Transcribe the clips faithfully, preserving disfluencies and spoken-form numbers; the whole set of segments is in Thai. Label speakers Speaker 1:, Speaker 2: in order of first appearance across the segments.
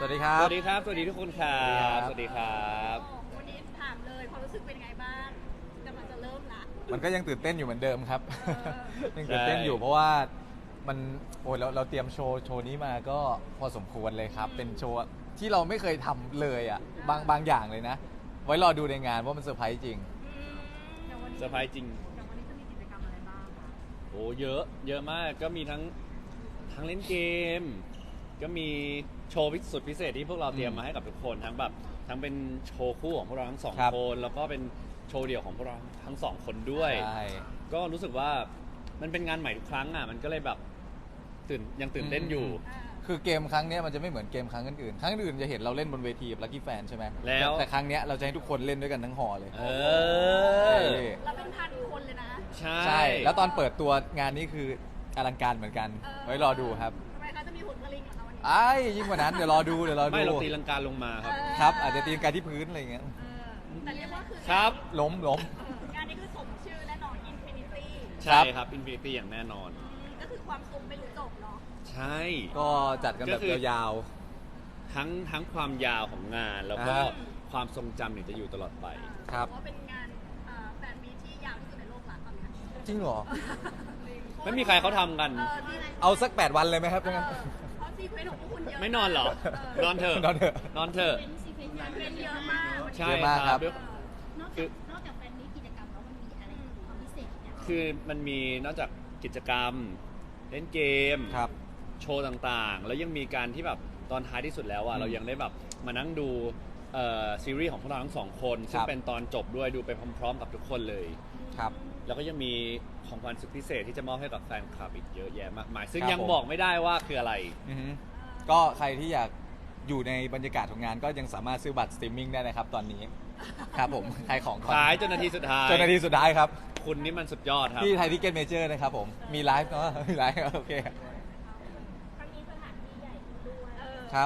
Speaker 1: วัสดีครับ
Speaker 2: สวัสดีครับ สวัสดีทุกคนครับสวัสดีครับ
Speaker 3: วันนี้ถามเลยความรู้สึกเป็นไงบ้างกำลังจะเริ่มละ
Speaker 1: มันก็ยังตื่นเต้นอยู่เหมือนเดิมครับ
Speaker 3: เอ
Speaker 1: ยังตื่นเต้นอยู่เพราะว่ามันโอ้ยเราเราเตรียมโชว์โชว์นี้มาก็พอสมควรเลยครับ เป็นโชว์ที่เราไม่เคยทำเลยอ่ะบางบางอย่างเลยนะ ไว้รอดูในงานว่ามันเซอร์ไพรส์จริง
Speaker 3: อืมอย่างวันนี้
Speaker 2: เซอร์ไพรส์จริง
Speaker 3: อย่างวันนี้จะมีกิจกรรมอะไรบ้างคะ
Speaker 2: โอ้เยอะ เยอะมาก ก็มีทั้งทั้งเล่นเกม ก็มีโชว์พิสุดพิเศษที่พวกเราเตรียมมาให้กับทุกคน ทั้งแบบทั้งเป็นโชว์คู่ของพวกเราทั้งสอง
Speaker 1: ครับ
Speaker 2: คน แล้วก็เป็นโชว์เดี่ยวของพวกเราทั้งสองคนด้วย
Speaker 1: ใช่
Speaker 2: ก็รู้สึกว่ามันเป็นงานใหม่ทุกครั้งอ่ะ มันก็เลยแบบตื่นยังตื่นเต้นอยู่
Speaker 3: อ่า
Speaker 1: คือเกมครั้งเนี้ยมันจะไม่เหมือนเกมครั้งอื่นๆครั้งอื่นจะเห็นเราเล่นบนเวทีกับลั c กี้แฟนใช่ไหม
Speaker 2: แล้ว
Speaker 1: ต่แต่ครั้งเนี้ยเราจะให้ทุกคนเล่นด้วยกันทั้งหอเลย
Speaker 2: เออ
Speaker 3: เราเป็นพันคนเลยนะ
Speaker 2: ใช่
Speaker 1: ใช่แล้วตอนเปิดตัวงานนี้คืออลังการเหมือนกัน
Speaker 3: เออ
Speaker 1: ไว้รอดูครับ
Speaker 3: ทำไมคะจะมีหุ่นกระลิงเหรอคะวันนี้
Speaker 1: ไอ้ยยิ่งกว่านั้นเดี๋ยวรอดูเดี๋ยวรอดู
Speaker 2: ไม่เราตีลังกาลงมาครับ
Speaker 1: ครับ อาจจะตีกันที่พื้นอะไรอย่างเงี้ย
Speaker 3: เออแต่เรียกว่าคือ
Speaker 2: ครับ
Speaker 1: ล้มล้ม
Speaker 3: เอองานนี้คือสมชื่อแน่นอน Infinity
Speaker 2: ใช่ครับ Infinity อย่างแน่นอน
Speaker 3: อืมก็คือความสุขไม่รู้จบเนาะ
Speaker 2: ใช่
Speaker 1: ก็จัดกันแบบ
Speaker 2: ก็คือ
Speaker 1: ยาว
Speaker 2: ทั้งทั้งความยาวของงาน แล้วก็
Speaker 1: อ่า
Speaker 2: ความทรงจำเนี่ยจะอยู่ตลอดไป
Speaker 1: ครับ
Speaker 3: เพราะว่าเป็นงานเอ่อแฟนมีตที่ยาวที่สุดในโลกละตอนนี้
Speaker 1: ๆ จริงเหรอ
Speaker 2: ไม่มีใครเขาทำกัน
Speaker 3: เออที่ไหน
Speaker 1: เอาสักแปดวันเลยไหมครับ
Speaker 3: เอ
Speaker 1: ถ้า
Speaker 3: อ
Speaker 1: งั้น
Speaker 3: เพราะซีเควนต์ของพวกคุณเยอะ
Speaker 2: ไม่นอนเหรอ นอนเถอะ
Speaker 1: นอนเถอะ
Speaker 2: นอนเถอะ
Speaker 3: เป็นซีเควนต์เป็นเยอะมาก
Speaker 2: ใช่
Speaker 1: เยอะมาก
Speaker 2: ค
Speaker 1: ครั
Speaker 2: รับ บ
Speaker 3: เออน
Speaker 4: อก
Speaker 2: คื
Speaker 4: จาก
Speaker 2: อ
Speaker 4: นอกจากแฟนมีตกิจกรรมแล้วมันมีอะไรความพิเศษเนี่ย
Speaker 2: คือมันมีนอกจากกิจกรรม เล่นเกม
Speaker 1: ครับ
Speaker 2: โชว์ต่างๆ แล้วยังมีการที่แบบตอนท้ายที่สุดแล้วอ่ะ
Speaker 1: อืม
Speaker 2: เรายังได้แบบมานั่งดูเอ่อซีรีส์ของพวกเราทั้งสองคน ซึ่
Speaker 1: ค
Speaker 2: ง
Speaker 1: รับ
Speaker 2: เป็นตอนจบด้วยดูไปพร้อมๆ กับทุกคนเลย
Speaker 1: ครับ
Speaker 2: แล้วก็ยังมีของขวัญสุดพิเศษที่จะมอบให้กับแฟนคลับอีกเยอะแยะมากมาย ซึ่ง
Speaker 1: ครับ
Speaker 2: ยัง
Speaker 1: ผม
Speaker 2: บอกไม่ได้ว่าคืออะไร
Speaker 1: อือฮึก็ใครที่อยากอยู่ในบรรยากาศของงานก็ยังสามารถซื้อบัตรสตรีมมิ่งได้นะครับตอนนี้ ครับผมขายของก่อน
Speaker 2: ขายจนนาทีสุดท้าย
Speaker 1: จนนาทีสุดท้ายครับ
Speaker 2: คุณนี่มันสุดยอดครับ
Speaker 1: ที่ไทยทิเก็ตเมเจอร์นะครับผม มีไลฟ์เนาะ มีไลฟ์โอเค
Speaker 4: ครั้งนี้สถานที่ใหญ่ขึ้นด้วย
Speaker 3: เออ
Speaker 1: ครับ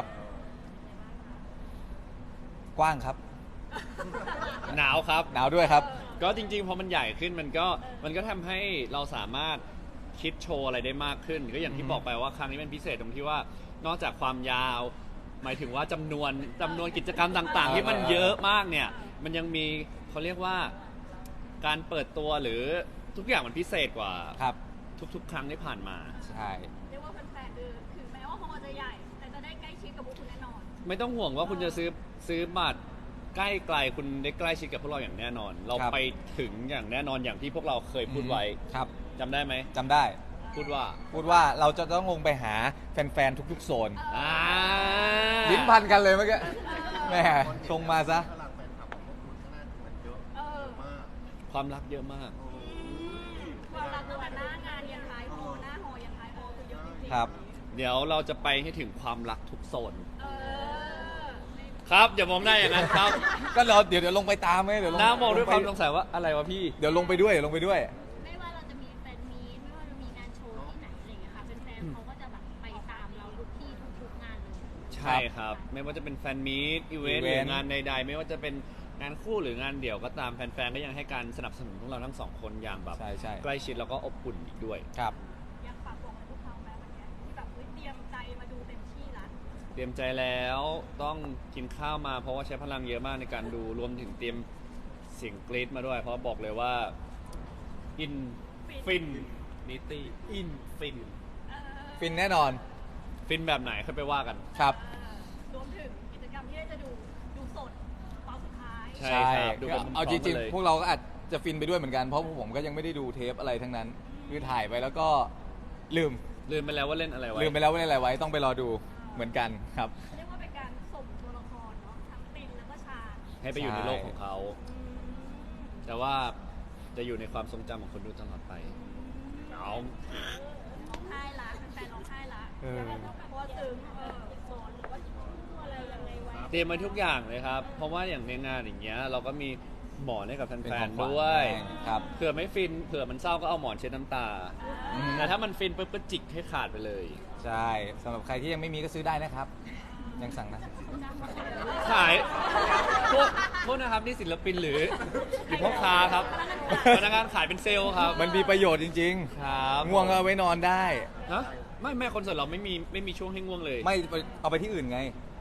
Speaker 1: กว้างครับ
Speaker 2: หนาวครับ
Speaker 1: หนาวด้วยครับ
Speaker 2: ก็จริงๆพอมันใหญ่ขึ้นมันก็มันก็ทำให้เราสามารถคิดโชว์อะไรได้มากขึ้น ก็อย่างที่
Speaker 1: อืม
Speaker 2: บอกไปว่าครั้งนี้เป็นพิเศษตรงที่ว่านอกจากความยาว หมายถึงว่าจำนวนจำนวนกิจกรรมต่างๆ ที่มันเยอะมากเนี่ยมันยังมีเขาเรียกว่าการเปิดตัวหรือทุกอย่างมันพิเศษกว่า
Speaker 1: ครับ
Speaker 2: ทุกๆ ครั้งที่ผ่านมา
Speaker 1: ใช่
Speaker 3: เรียกว่าแฟนๆคือถึงแม้ว่าฮอลล์จะใหญ่ แต่จะได้ใกล้ชิดกับพวกคุณแน่นอน
Speaker 2: ไม่ต้องห่วงว่าคุณจะซื้อซื้อบัตรใกล้ไกลคุณได้ใกล้ชิดกับพวกเราอย่างแน่นอน เรา
Speaker 1: ครับ
Speaker 2: ไปถึงอย่างแน่นอนอย่างที่พวกเราเคยพูดไว้
Speaker 1: ครับ
Speaker 2: จำได้ไหม
Speaker 1: จำได้
Speaker 2: พูดว่า
Speaker 1: พูดว่าเราจะต้องลงไปหาแฟนๆ ทุกๆ โซน
Speaker 2: อ่า
Speaker 1: ลิ้นพันกันเลยเมื่อกี้แหม่ชงมาซะ
Speaker 5: พลังแฟนคลับของพวกคุณข้างหน้ามันเยอะ
Speaker 3: เออ
Speaker 5: มาก
Speaker 2: ความรักเยอะมาก
Speaker 3: ความรักตั้งแต่หน้างานยันท้ายฮอลล์หน้าฮอลล์ยันท้ายฮอลล์คือเยอะจริงๆ
Speaker 1: ครับ
Speaker 2: เดี๋ยวเราจะไปให้ถึงความรักทุกโซน
Speaker 3: เออ
Speaker 2: ครับอย่ามองหน้าอย่างนั้นครับ
Speaker 1: ก็เราเดี๋ยวเดี๋ยวลงไปตามไหมเดี๋ยวลง
Speaker 2: หน้ามองด้วยความ
Speaker 1: ล
Speaker 2: ส
Speaker 1: ไป
Speaker 2: งสัยว่าอะไรวะพี่
Speaker 1: เดี๋ยวลงไปด้วยเดี๋ยวลงไปด้วย
Speaker 4: ไม่ว่าเราจะมีแฟนมีตไม่ว่าเรามีงานโชว์ที่ไหนอะไรอย่างเงี้ยค่ะแฟนๆเขาก็จะแบบไปตามเราทุกที่ทุกๆงานเลย
Speaker 2: ใช่ครับ ไม่ว่าจะเป็นแฟนมีตอีเวนต์ห
Speaker 1: อี
Speaker 2: รื
Speaker 1: เวนต์
Speaker 2: องานใดๆ ไม่ว่าจะเป็นงานคู่หรืองานเดี่ยวก็ตามแฟนๆ ก็ยังให้การสนับสนุนพวกเราทั้งสองคนอย่างแบบ
Speaker 1: ใช่ใช่
Speaker 2: ใกล้ชิดแล้วก็อบอุ่นอีกด้วย
Speaker 1: ครับ
Speaker 3: อยากฝากบอกอะไรพวกเขาไหมวันเนี้ยที่แบบเฮ้ยเตรียมใจมาดูเต็มที่ละ
Speaker 2: เตรียมใจแล้วต้องกินข้าวมาเพราะว่าใช้พลังเยอะมากในการดูรวมถึงเตรียมเสียงกรี๊ดมาด้วย เพราะบอกเลยว่าอินฟินนิตี้อินฟิน
Speaker 3: เออ
Speaker 1: ฟินแน่นอน
Speaker 2: ฟินแบบไหนค่อยไปว่ากัน
Speaker 1: ครับ
Speaker 3: เออรวมถึงกิจกรรมที่ได้จะดูดูสดตอนสุดท้าย
Speaker 2: ใช่ครับดูกัน
Speaker 1: เอาจริง
Speaker 2: พร้อมกันเลย
Speaker 1: ๆ พวกเราก็อาจจะฟินไปด้วยเหมือนกัน เพราะพวกผมก็ยังไม่ได้ดูเทปอะไรทั้งนั้น คือถ่ายไปแล้วก็ลืม
Speaker 2: ลืมไปแล้วว่าเล่นอะไรไว้
Speaker 1: ลืมไปแล้วว่าเล่นอะไรไว้ ต้องไปรอดูเหมือนกันครับ
Speaker 3: เรียกว่าเป็นการส่งตัวละครเนาะทั้งตินแล้วก็ชาญ
Speaker 2: ให้ไปอยู่ในโลกของเขา
Speaker 3: อืม
Speaker 2: แต่ว่าจะอยู่ในความทรงจำของคนดูตลอดไป เอา
Speaker 3: ร้องไห้ละแฟนๆร้องไห้ละ
Speaker 1: เออ
Speaker 3: เพราะว่าซึ้งเออสอนหรือว่าอะไรยังไงไว้
Speaker 2: เตรียมมาทุกอย่างเลยครับ เพราะว่าอย่างในงานอย่างเงี้ยเราก็มีหมอนให้กับแ
Speaker 1: เป็น
Speaker 2: ฟ
Speaker 1: ขอน งขวัญ
Speaker 2: ๆด้วย
Speaker 1: ครับ
Speaker 2: เผื่อไม่ฟินเผื่อมันเศร้าก็เอาหมอนเช็ดน้ำตา
Speaker 1: อืม
Speaker 2: แต่ถ้ามันฟินปุ๊บก็จิกให้ขาดไปเลย
Speaker 1: ใช่สำหรับใครที่ยังไม่มีก็ซื้อได้นะครับ ยังสั่งนะ
Speaker 2: ขายพวกพวกนะครับนี่ศิลปินหรือหรือพ่อค้าครับพนักงานขายเป็นเซลล์ครับ
Speaker 1: มันมีประโยชน์จริง
Speaker 2: ครับ
Speaker 1: ๆ ง่วงก็เอาไว้นอนได้
Speaker 2: ฮะไม่แม่คอนเสิร์ตเราไม่มีไม่มีช่วงให้ง่วงเลย
Speaker 1: ไม่เอาไปที่อื่นไง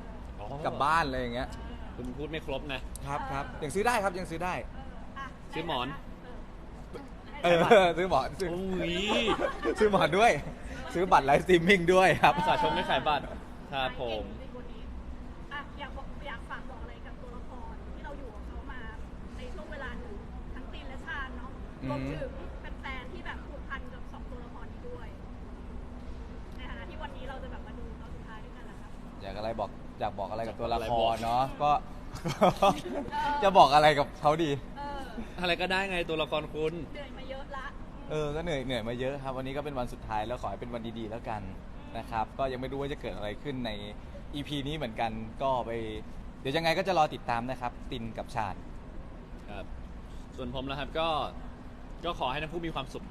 Speaker 1: กลับบ้านอะไรอย่างเงี้ย
Speaker 2: คุณพูดไม่ครบนะ
Speaker 1: ครับครับยังซื้อได้ครับยังซื้อได้
Speaker 3: อ่ะ
Speaker 2: ซื้อหมอน
Speaker 1: เออซื้อหมอนซื้อ
Speaker 2: โอ้ย
Speaker 1: ซื้อหมอนด้วย ซื้อบัตรไลฟ์สตรีมมิ่งด้วยครับ
Speaker 2: สาชมไม่ขายบัตรครับผม
Speaker 3: อ่ะอยากบอกอยากฝากบอกอะไรกับตัวละครที่เราอยู่กับเขามาในช่วงเวลาหนึ่งทั้งตีนและชาญเนาะรวมถึงแฟนๆที่แบบผูกพันกับสองตัวละครนี้ด้วย ในฐานะที่วันนี้เราจะแบบมาดูตอนสุดท้ายด้วยกันแหละครับ
Speaker 1: อยากอะไรบอกอยากบอกอะไรกับตัวละ
Speaker 2: อะไร
Speaker 1: ค
Speaker 2: บอก
Speaker 1: รเนาะก็ จะบอกอะไรกับเขาดี
Speaker 3: เออ
Speaker 2: อะไรก็ได้ไงตัวละครคุณ
Speaker 3: เหนื่อยมาเยอะละ
Speaker 1: เออ ก็เหนื่อยเหนื่อยมาเยอะครับ วันนี้ก็เป็นวันสุดท้ายแล้วขอให้เป็นวันดีๆแล้วกันนะครับ ก็ยังไม่รู้ว่าจะเกิดอะไรขึ้นใน อี พี นี้เหมือนกัน ก็ไป เดี๋ยวยังไงก็จะรอติดตามนะครับ ตินกับชาญ
Speaker 2: ครับ ส่วนผมนะครับก็ก็ขอให้ทั้งคู่มีความสุข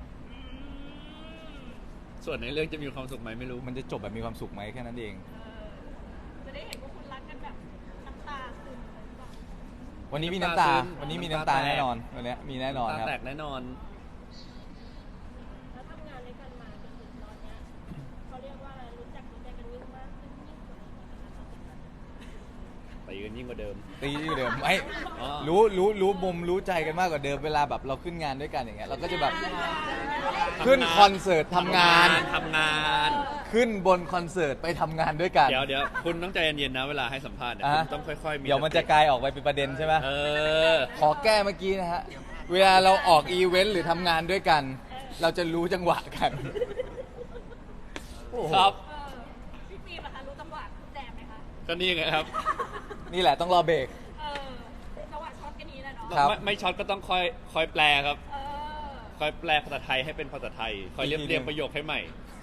Speaker 2: ส่วนในเรื่องจะมีความสุขไหมไม่รู้
Speaker 1: มันจะจบแบบมีความสุขไหมแค่นั้นเอง
Speaker 3: เออจะได้เห็นว่าคุณรักกันแบบน้ำตาซึมเลยหรือเปล่า
Speaker 1: วันนี้มีน้ำตา
Speaker 2: น้ำตาซึม
Speaker 1: วันนี้มี
Speaker 2: น้ำ
Speaker 1: น้ำ
Speaker 2: ตา
Speaker 1: ตา
Speaker 2: แตก
Speaker 1: แน่นอน วันนี้มีแน่นอนครับ
Speaker 2: ตาแตกแน่นอน
Speaker 4: แล้วทำงานด้วยกันมาจนถึงตอนเนี้ยเขาเรียกว่าอะไรรู้จักรู้ใจกันยิ่งมากขึ้นยิ่งกว่านี้นะคะ
Speaker 2: ตีกันยิ่งกว่าเดิม
Speaker 1: ตีอยู่เดิมไม่
Speaker 2: อ๋อ
Speaker 1: รู้รู้รู้มุมรู้ใจกันมากกว่าเดิมเวลาแบบเราขึ้นงานด้วยกันอย่างเงี้ยเราก็จะแบบขึ้นคอนเสิร์ตทำงาน
Speaker 2: ทำงาน
Speaker 1: ขึ้นบนคอนเสิร์ตไปทำงานด้วยกัน
Speaker 2: เดี๋ยวเดี๋ยวคุณต้องใจเย็นๆนะเวลาให้สัมภาษณ์เนี่ย
Speaker 1: อ่ะ
Speaker 2: คุณต้องค่อยๆมี
Speaker 1: เดี๋ยวมันจะกลายออกไปเป็นประเด็นใช่ไหม
Speaker 2: เออ
Speaker 1: ขอแก้เมื่อกี้นะฮะ เวลาเราออกอีเวนต์หรือทำงานด้วยกัน เราจะรู้จังหวะกันโอ้โห
Speaker 2: ครับ
Speaker 3: เออพี่ฟิล์มนะคะรู้จังหวะคุณแจมไหมคะ
Speaker 2: ก็นี่ไงครับ
Speaker 1: นี่แหละต้องรอเบรก
Speaker 3: เออจังหวะช็อตกันนี้แหละเนาะ
Speaker 1: ครับ
Speaker 2: ไม่ไม่ช็อตก็ต้องคอยคอยแปลครับ
Speaker 3: เออ
Speaker 2: คอยแปลภาษาไทยให้เป็นภาษาไทย คอยเรียบ
Speaker 1: อีกทีหนึ่ง
Speaker 2: เรียงประโยคให้ใหม่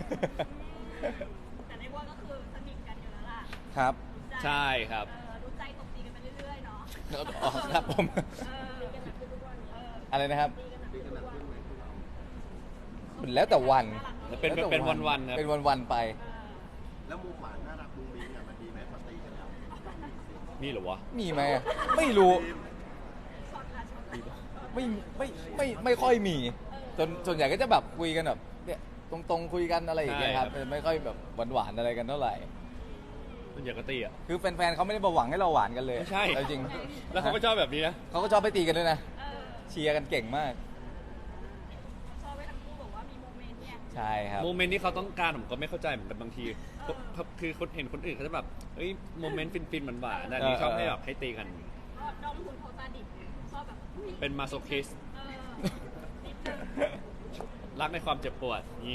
Speaker 3: แต่เรียกว่าก็คือสนิทกันอยู่แล้วล่ะ
Speaker 1: ครับ
Speaker 2: ใช่ครับ
Speaker 3: เออรู้ใจตบตีกันไปเรื่อยๆเนาะ
Speaker 1: อ๋อครับผม
Speaker 3: เออตีกันหนักขึ้นทุกวันเออ
Speaker 1: อะไรนะครับ
Speaker 3: ตีกันหนักขึ้นทุกวัน
Speaker 1: แล้วแต่วัน
Speaker 2: เป็น
Speaker 1: แล้วแต่
Speaker 2: เป็นวันๆครับ
Speaker 1: เป็นวันๆไป
Speaker 3: เออ
Speaker 5: แล้วมุมหวานน่ารักมุมมิ้งเนี่ยมันดีไหมพอตีกันแล้ว
Speaker 2: นี่เหรอวะ
Speaker 1: มีไหมอะไม่รู้
Speaker 3: ช็อตละช็อตละ
Speaker 1: ไม่ไม่ไม่ไม่ค่อยมีส่วนส่วนใหญ่ก็จะแบบคุยกันแบบเนี่ยตรงๆคุยกันอะไรอย่างเงี้ยครับ
Speaker 2: ใช่ครับ
Speaker 1: ไม่ค่อยแบบหวานๆอะไรกันเท่าไหร่
Speaker 2: มันอยากกระตีอ่ะ
Speaker 1: คือแฟนๆเขาไม่ได้มาหวังให้เราหวานกันเลย
Speaker 2: ไม่ใช่
Speaker 1: เอาจริง
Speaker 2: แล้วเขาก็ชอบแบบนี้นะ
Speaker 1: เขาก็ชอบไปตีกันด้วยนะ
Speaker 3: เออ
Speaker 1: เชียร์กันเก่งมาก
Speaker 3: ชอบไว้ทั้งคู่บอกว่ามีโมเมนต์เนี่ย
Speaker 1: ใช่ครับ
Speaker 2: โมเมนต์ที่เขาต้องการผมก็ไม่เข้าใจเหมือนกันบางทีคือคือคนเห็นคนอื่นเขาจะแบบเฮ้ยโมเมนต์ฟินๆหวานๆแต่อันนี่
Speaker 1: เออ
Speaker 2: ชอบ
Speaker 1: เออ
Speaker 2: ให้แบบให้ตีกัน
Speaker 3: ก็ดอมคุณโพสต์ดิบชอบแบบ
Speaker 2: เป็นมาโซคิส
Speaker 3: เออนิดนึง
Speaker 2: รักในความเจ็บปวดนี้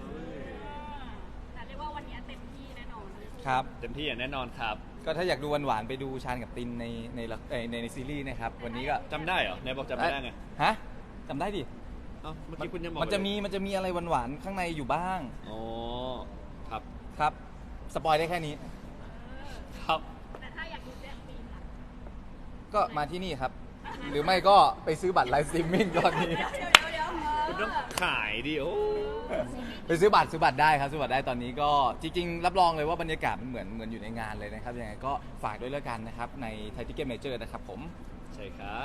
Speaker 3: แต่เรียกว่าวันนี้เต็มที่แน่นอน
Speaker 1: ครับ
Speaker 2: เต็มที่อย่างแน่นอนครับ
Speaker 1: ก็ถ้าอยากดูหวานๆไปดูชาญกับตินในในละเอ่อในในซีรีส์นะครับ วันนี้ก็
Speaker 2: จำได้เหรอไหนบอกจำไม่ได้ไง
Speaker 1: ฮะจำได้ดิ
Speaker 2: เอ้าเมื่อกี้คุณยังบอก
Speaker 1: มันจะ
Speaker 2: เลย
Speaker 1: มีมันจะมีอะไรหวานๆข้างในอยู่บ้าง
Speaker 2: อ๋อครับ
Speaker 1: ครับ สปอยได้แค่นี้
Speaker 2: ครับ
Speaker 3: แต่ถ้าอยากดูแจ็คฟิล์มล่ะ
Speaker 1: ก็มาที่นี่ครับ หรือไม่ก็ไปซื้อบัตรไลฟ์สตรีมมิ่งตอนนี้
Speaker 3: เดี๋ยวเดี๋ยวเดี๋ยวเออ
Speaker 2: คุณต้องขายดิโอ้
Speaker 1: ไปซื้อบัตรซื้อบัตรได้ครับซื้อบัตรได้ตอนนี้ก็จริงๆ รับรองเลยว่าบรรยากาศมันเหมือนเหมือนอยู่ในงานเลยนะครับยังไงก็ฝากด้วยแล้วกันนะครับในไทยทิเก็ตเมเจอร์นะครับผม
Speaker 2: ใช่ครับ